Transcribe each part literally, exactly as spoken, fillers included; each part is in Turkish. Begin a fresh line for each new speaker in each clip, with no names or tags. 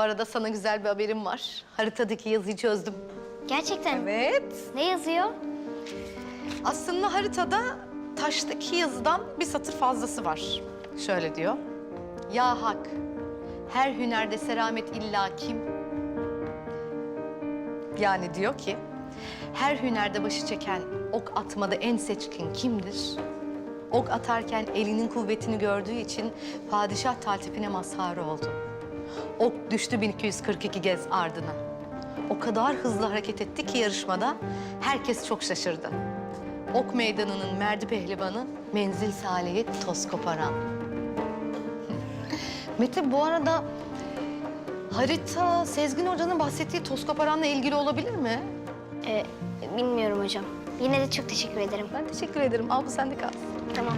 arada sana güzel bir haberim var. Haritadaki yazıyı çözdüm.
Gerçekten mi?
Evet.
Ne yazıyor?
Aslında haritada taştaki yazıdan bir satır fazlası var. Şöyle diyor. Ya hak, her hünerde seramet illa kim? Yani diyor ki, her hünerde başı çeken, ok atmada en seçkin kimdir? Ok atarken elinin kuvvetini gördüğü için padişah taltifine mazhar oldu. Ok düştü bin iki yüz kırk iki gez ardına. O kadar hızlı hareket etti ki yarışmada herkes çok şaşırdı. Ok meydanının merdi pehlivanı, menzil saleyi toz koparan. Mete, bu arada harita Sezgin Hoca'nın bahsettiği toz koparanla ilgili olabilir mi?
Ee, bilmiyorum hocam. Yine de çok teşekkür ederim.
Ben teşekkür ederim. Al, bu sende kalsın.
Tamam.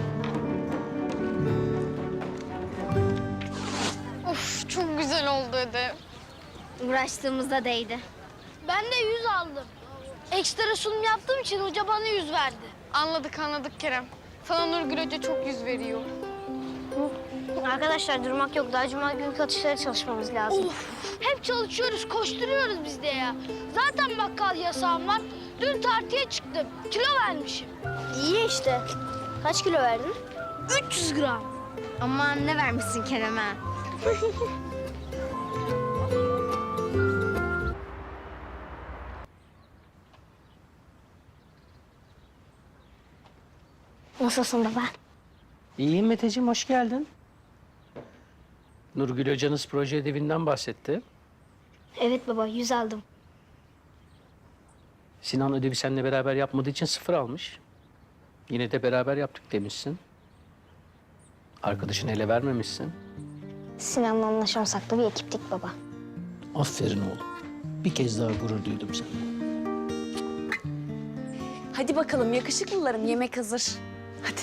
Of, çok güzel oldu ödev.
Uğraştığımızda değdi.
Ben de yüz aldım. Ekstra sunum yaptığım için hoca bana yüz verdi.
Anladık anladık Kerem. Sana Nurgül Hoca çok yüz veriyor.
Arkadaşlar durmak yok. Daha cuma günkü atışlara çalışmamız lazım.
Of, hep çalışıyoruz, koşturuyoruz biz de ya. Zaten bakkal yasağım var. Dün tartıya çıktım. Kilo vermişim.
İyi işte. Kaç kilo verdin?
üç yüz gram.
Aman ne vermişsin Kerem'e? Nasılsın baba?
İyiyim Meteciğim, hoş geldin. Nurgül hocanız proje ödevinden bahsetti.
Evet baba, yüz aldım.
Sinan ödevi seninle beraber yapmadığı için sıfır almış. Yine de beraber yaptık demişsin. Arkadaşını ele vermemişsin.
Sinan'la anlaşamasak da bir ekiptik baba.
Aferin oğlum. Bir kez daha gurur duydum seninle.
Hadi bakalım yakışıklılarım, yemek hazır. Hadi.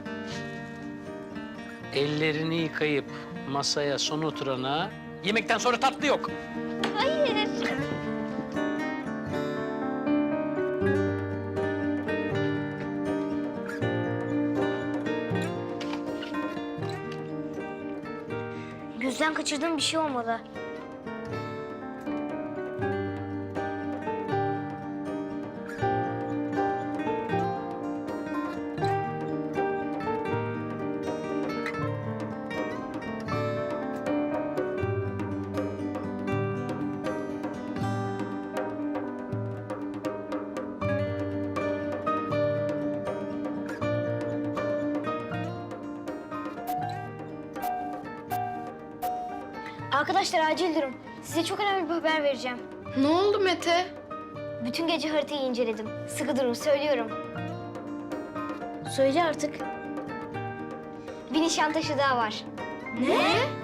Ellerini yıkayıp masaya son oturana yemekten sonra tatlı yok.
Hayır. Gözden kaçırdığım bir şey olmalı. Arkadaşlar acil durum. Size çok önemli bir haber vereceğim.
Ne oldu Mete?
Bütün gece haritayı inceledim. Sıkı durun, söylüyorum. Söyle artık. Bir Nişantaşı daha var.
Ne?